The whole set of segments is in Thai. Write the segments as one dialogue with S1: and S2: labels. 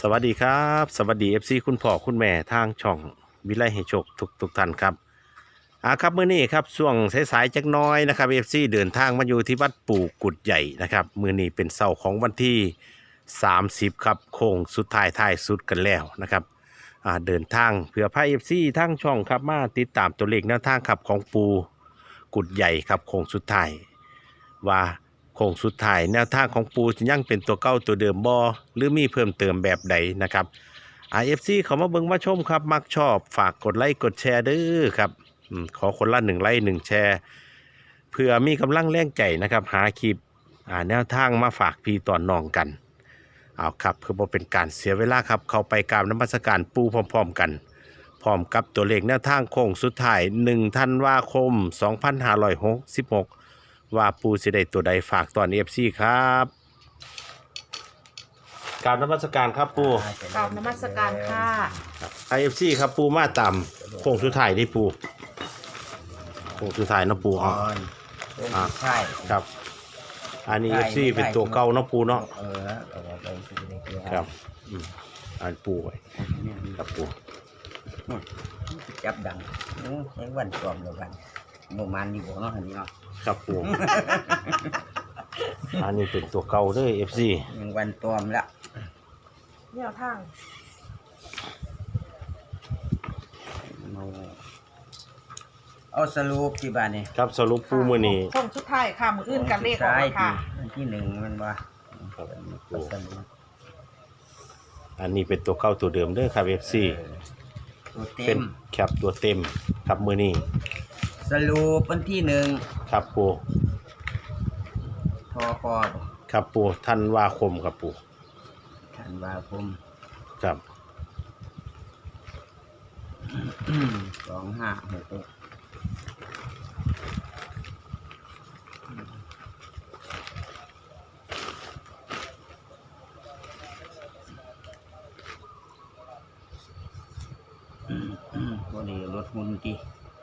S1: วัสดีครับสวัสดีFCคุณพ่อคุณแม่ทางช่องวิไลให้โชคทุกท่านครับครับมื้อนี้ครับช่วงสายๆจักหน้อยนะครับ FC เดินทางมาอยู่ที่วัดปู่กุดใหญ่นะครับมื้อนี้เป็นเสาร์ของวันที่30ครับโค้งสุดท้ายสุดกันแล้วนะครับเดินทางเพื่อพา FC ทางช่องครับมาติดตามตัวเลขแนวทางครับของปู่กุดใหญ่ครับโค้งสุดท้ายว่าโค้งสุดท้ายแนวทางของปูจะยังเป็นตัวเก่าตัวเดิมบ่หรือมีเพิ่มเติมแบบใดนะครับFC เขามาเบิ่งมาชมครับมักชอบฝากกดไลค์กดแชร์เด้อครับขอคนละ1ไลค์1แชร์เพื่อมีกำลังแรงใจนะครับหาคลิปแนวทางมาฝากพี่ตอนน้องกันเอาครับเพื่อบ่เป็นการเสียเวลาครับเข้าไปกราบนมัสการปูพร้อมๆกันพร้อมกับตัวเลขแนวทางโค้งสุดท้าย1ธันวาคม2566ว่าปูสิได้ตัวใดฝากตอน FC ครับกราบนมัสการครับปู
S2: กราบนมัสการค่ะ
S1: IFC ครับปูมาตามโค้งสุดท้ายได้ปูโค้งสุดท้ายเนาะปูอ๋อ
S3: ใช่
S1: ครับอันนี้ FC เป็นตัวเก่าเนาะปูเนาะ
S3: เอาไปซื้อในเกลือ
S1: ครับอันปูไว้ครับปู
S3: จับดังยังวันกลอมเดียวกันโมมันอยู่เนาะอันนี้เนาะ
S1: ครับปูอันนี้เป็นตัวเก่าเด้อ FC
S3: ยังวันกลอมละ
S2: แนวทาง
S3: เอาสรุปที่บ้านนี่
S1: ครับสรุปปูมื้อนี้
S2: ช่วงสุดท้ายค่ะมืออื่นกันเลขออกมาค่ะ
S3: วันที่1มันว่าสรุป
S1: อันนี้เป็นตัวเก่าตัวเดิมเด้อครับ FC
S3: ตัวเต็
S1: เป็น
S3: ม
S1: แคปตัวเต็มครับมื้อนี้
S3: สรุปวันที่
S1: ครับปู
S3: 1ทอคอ
S1: ครับปูธันวาคมครับปู
S3: ธันวาคม
S1: ครับ
S3: 2566วันนี้รถหุ่นกี่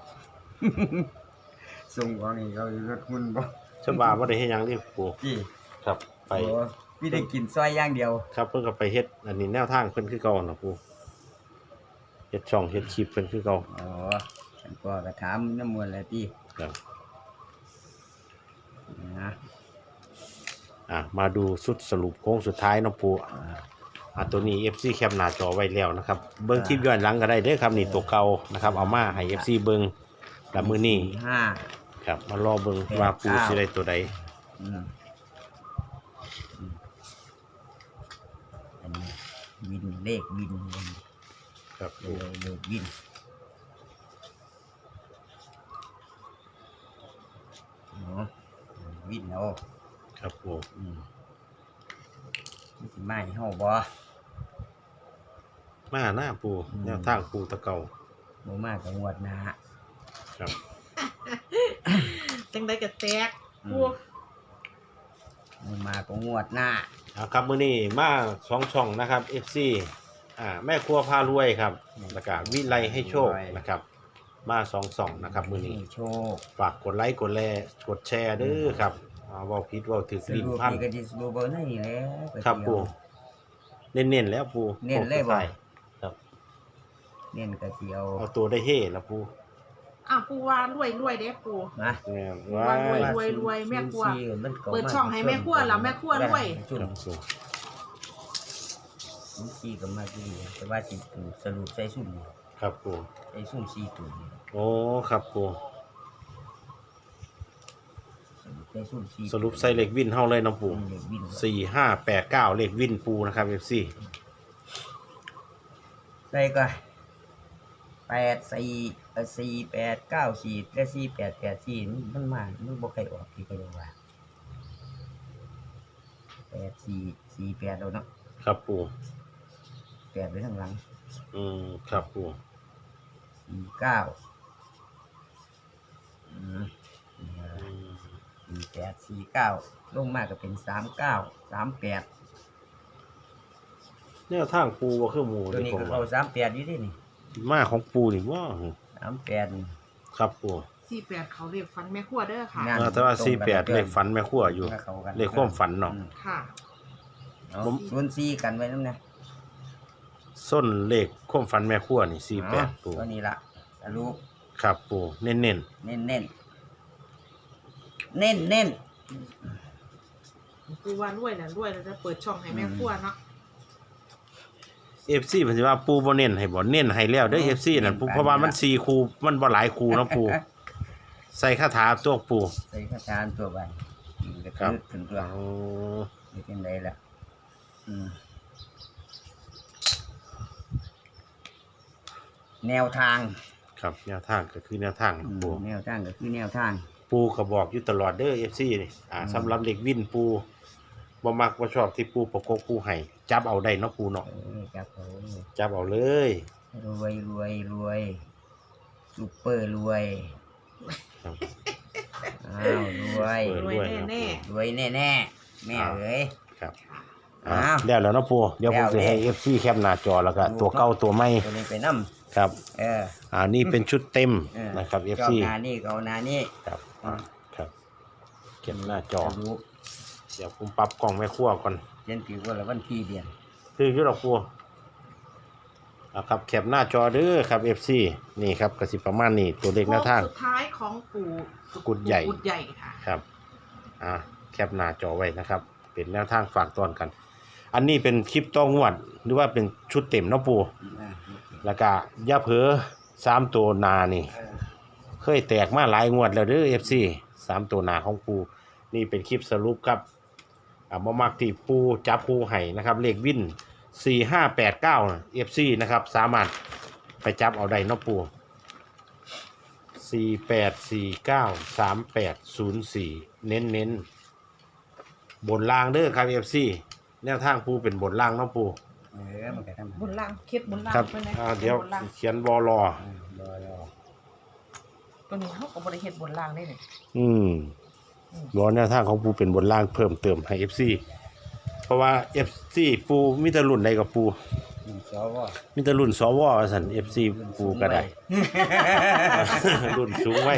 S3: ส่งของนี่เขารถหุ่นบ่
S1: ฉบับบ่ได้เฮ็ดหยังนี่ปู
S3: กี่
S1: ครับไป
S3: พี่ได้กินซอยอย่างเดียว
S1: ครับเพิ่นก็ไปเฮ็ดอันนี้แนวทางเพิ่นคือเก่าเนาะปูเฮ็ดช่องเฮ็ดคลิปเพิ่นคือเก่า
S3: อ๋อฉันก็กระถามน้ำมวลแล้วที่
S1: ครับ
S3: นะ
S1: มาดูสุดสรุปโค้งสุดท้ายเนาะปูตัวนี้ FC แคปหน้าจอไว้แล้วนะครับเบิ่งคลิปย้อนหลังก็ได้เด้อครับนี่ตัวเก่านะครับเอามาให้ FC เบิ่งแล้วมื้อนี้
S3: 5
S1: ครับมารอเบิ่งว่าปูสิได้ตัวใด
S3: อืมอันนี้วินเลขวิน
S1: ครับ
S3: เลขวินเนาะวินเอา
S1: ครับปู
S3: มันสิมาให้เฮาบ่
S1: มาหน้าปูแนวทางปูตะเก่า
S3: บ่มาก็งวดหน้า
S1: ครับ
S2: จังได้กระแตกพวก
S3: บ่มาก็งวดหน้า
S1: ครับมื้อนี้มา2ช่องนะครับ FC แม่ครัวพารวยครับแล้วก็วิไลให้โชคนะครับมา2ช่องนะครับมื้อนี้
S3: ให้โชค
S1: ฝากกดไลค์กดแชร์เด้อครับเว้าผิดเว้าถูก
S3: ส
S1: ลิ้น
S3: รุป
S1: พัน
S3: นี่ก็สิสรุปเอาในนี่แหละ
S1: ครับปูเน้นๆแล้วปู
S3: เน้นเลยบ่
S1: ครับ
S3: เน้นก็สิเอา
S1: เอาตัวได้เฮ่แล้วปู
S2: ปูว่ารวยเด้ปู
S3: นะ
S1: แม่น
S2: ว่ารวยแม่ครัวเปิดช่องให้แม่ครัวแล้วแม่ครัวรวย
S3: จุ่ม
S1: ครับปู
S3: 4ก็มาที่แต่ว่าสิสรุปใส่ซุ่มนี่
S1: ครับปู
S3: ใส่ซุ่ม4ตัวนี่
S1: โอ้ครับปู
S3: ใส่ซุ่ม4
S1: สรุปใส่เลขวินเฮาเลยเนาะปู
S3: เลขวิน
S1: 4589เลขวินปูนะครับ FC
S3: ใส่ก็4 8 9 4และ4884มันมามันบ่ใครออกที่ก็ยังว่า8448แล้วเนาะ
S1: ครับปู
S3: 8ไว้ข้างหลัง
S1: ครับปู
S3: 494849ลงมาก็เป็น39 38
S1: แนวทางปูบ่คือหมู่
S3: ตัว
S1: นี่
S3: นี้
S1: ผม
S3: ก็
S1: ว่า
S3: เข้า38อยู่ดินี่
S1: มาของปูนี่ว่า
S3: 38
S1: ครับปู
S2: 48เขาเรียกฟันแม่ครัวเด้อค่ะ
S1: แต่ว่า48เลขฝันแม่ครัวอยู่เลขความฝันเนาะ
S2: ค่ะ
S3: เอา04กันไว้นำนะ
S1: ส้นเลขความฝันแม่ครัวนี่48ปู
S3: ตัวนี้ละสรุป
S1: ครับปูเน้น
S3: เน้น
S2: ปูว่ารวยแล้วรวยแล้วจะเปิดช่องให้แม่ครัวเนาะ
S1: ๆ FC เพิ่นสิว่าปูบ่เน้นให้บ่เน้นให้แล้วเด้อ FC นั่นปูเพราะว่ามัน4คู่มันบ่หลายคู่เนาะปูใส่คาถาตัวปู
S3: ใส่ข้าจานตัวไปกระ
S1: ครับ
S3: ทึกถึงตัว
S1: โอ้
S3: นี่เป็นไรล่ะแนวทาง
S1: ครับแนวทางก็คือแนวทางปู
S3: แนวทางก็คือแนวทาง
S1: ปูก็บอกอยู่ตลอดเด้อ FC นี่สำหรับเด็กวินปูบ่มักบ่ชอบที่ปูประกบปูให้จับเอาได้เนาะปูเนาะ
S3: จับเอา
S1: จับเอาเลย
S3: รวยซุปเปอร์รวย
S1: ครับ
S3: อ้าวรวย
S2: รวยแน่
S3: รวยแน่ๆแม่เอ๋ย
S1: ครับ
S3: อ้าว
S1: แล้วแล้วเนาะปูเดี๋ยวผมสิให้ FC แคปหน้าจอแล้วก็ตัวเก่าตัวใหม่
S3: ตัวนี้ไปน้ำ
S1: ครับ นี่เป็นชุดเต็ม
S3: เออ
S1: นะครับ
S3: ชอบ
S1: FC
S3: นานี่ก็เอานานี่
S1: ครับครับเก็บหน้าจอ
S3: รู้
S1: เดี๋ยวผมปรับกล้องแม่ครัวก่อน
S3: เย็นถือว่าละวันที่เดือน
S1: คืออยู่ดอกปูครับแคปหน้าจอเด้อครับ FC นี่ครับก็สิประมาณนี้ตัวเลขหน้าทาง
S2: สุดท้ายของปู่
S1: กุดใหญ่
S2: กุดใหญ่ค่ะ
S1: ครับแคปหน้าจอไว้นะครับ เป็นแนวทางฝากตอนกัน อันนี้เป็นคลิปต้องงวด หรือว่าเป็นชุดเต็มเนาะปูแล้วก็อย่าเผลอ3ตัวหนานี่ เคยแตกมาหลายงวดแล้วเด้อ FC 3ตัวหนาของปูนี่เป็นคลิปสรุปครับบ่มักที่ปูจับปูให้นะครับ เลขวิน4589 FC นะครับ สามารถไปจับเอาได้เนาะปู48493804เน้นบนล่างเด้อครับ FC แนวทางปูเป็นบนล่างเนาะปู
S3: มันก็ทำ
S2: บนล่างเคล็ดบนล่าง
S1: ครับ
S2: ไปเลย
S1: เดี๋ยว
S2: บนล่าง
S1: เขียนบอรอ
S3: รอ
S2: ตัวนี้เขาก็บริเฮ็ดบนล่างได้เลย
S1: บอแนวทางของปูเป็นบนล่างเพิ่มเติมให้ FC เพราะว่า FC ปูมีแต่รุ่นใดกับปู
S3: สว
S1: มีแต่รุ่นสวว่าซั่น FC ปูก็ได้ รุ่นสูงไว้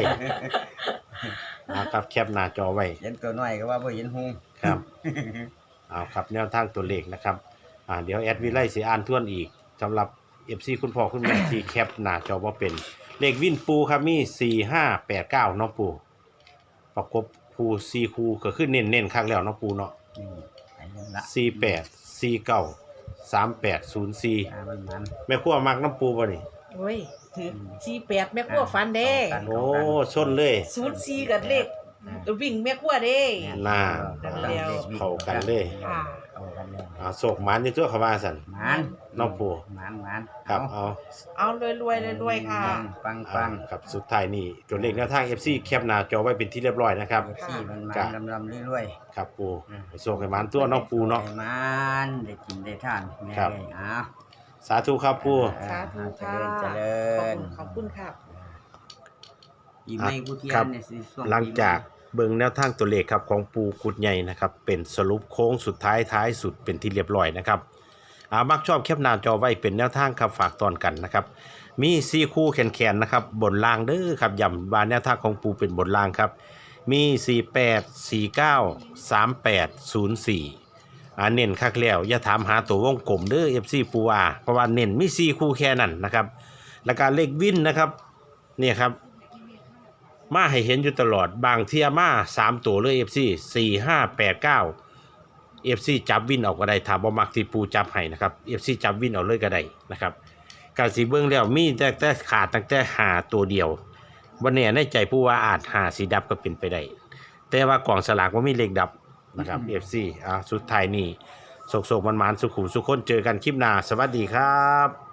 S1: ครับแคปหน้าจอไว้
S3: เห็นตัวน้อยก็ว่าบ่เห็นหง
S1: ครับ เอาครับแนวทางตัวเลขนะครับเดี๋ยวแอดวิไลสิอ่านทวนอีกสำหรับ FC คุณพ่อคุณแม่ที่แคปหน้าจอบ่เป็นเลขวินปูครับมี4589เนาะปูประกบคู่4คู่ก็คือเน้นๆคักแล้วเนาะปูเนาะ
S3: ไปนั่นละ
S1: 48 49 3804
S3: มัน
S1: แม่ครัวมักน้ำปูบ่นี่
S2: โอ้ยถือ48แม่ครัวฟันเด้
S1: โอ้ชนเลย
S2: 04กับเลขวิ่งแม่ครัวเด้
S1: น่า
S2: เดียว
S1: เข้ากันเลย
S2: ค่ะ
S3: เข้ากันเลย
S1: โศกหมันนี่ตัวเขาว่าซั่น
S3: มัน
S1: น้องปู
S3: มัน
S1: ครับเอา
S2: เอารวยค่ะ
S3: ปัง
S1: ครับสุดท้ายนี่ตัวเลขแนวทาง FC แคปหน้าจอไว้เป็นที่เรียบร้อยนะครับ
S3: ที่มันลำเรื่อย
S1: ครับปูไปส่งให้หมันตัวน้องปูเนาะ
S3: มันได้กินได้ทานแม่
S1: ครับ
S3: เลย
S1: สาธุครับปู
S2: สาธุค่ะ
S3: เจริญ
S2: ขอบคุณค่ะ
S3: อีไม่กูเทีย
S1: ครั
S3: น
S1: บ
S3: เนี่ยสิส่ง
S1: หลังจากเบิ่งแนวทางตัวเลขครับของปูกุดใหญ่นะครับเป็นสรุปโค้งสุดท้ายสุดเป็นที่เรียบร้อยนะครับมักชอบแคปหน้าจอไว้เป็นแนวทางครับฝากตอนกันนะครับมี4คู่แขนๆนะครับบนล่างเด้อครับย้ำว่าแนวทางของปูเป็นบนล่างครับมี48 49 38 04เน้นคักแล้วอย่าถามหาตัววงกลมเด้อ FC ปูเพราะว่าเน้นมี4คู่แค่นั้นนะครับแล้วก็เลขวินนะครับเนี่ยครับมาให้เห็นอยู่ตลอดบางเที่ยมา3ตัวเลย FC 4589 FC จับวินเอาก็ได้ถ้าบ่มักที่ปูจับให้นะครับ FC จับวินเอาเลยก็ได้นะครับการสิเบิ่งแล้วมีแต่ขาดตั้งแต่หาตัวเดียวบ่แน่ในใจผู้ว่าอาจหาสีดับก็เป็นไปได้แต่ว่ากล่องสลากบ่มีเลขดับนะครับ FC สุดท้ายนี้โศกๆมันๆสุขุมสุขคนเจอกันคลิปหน้าสวัสดีครับ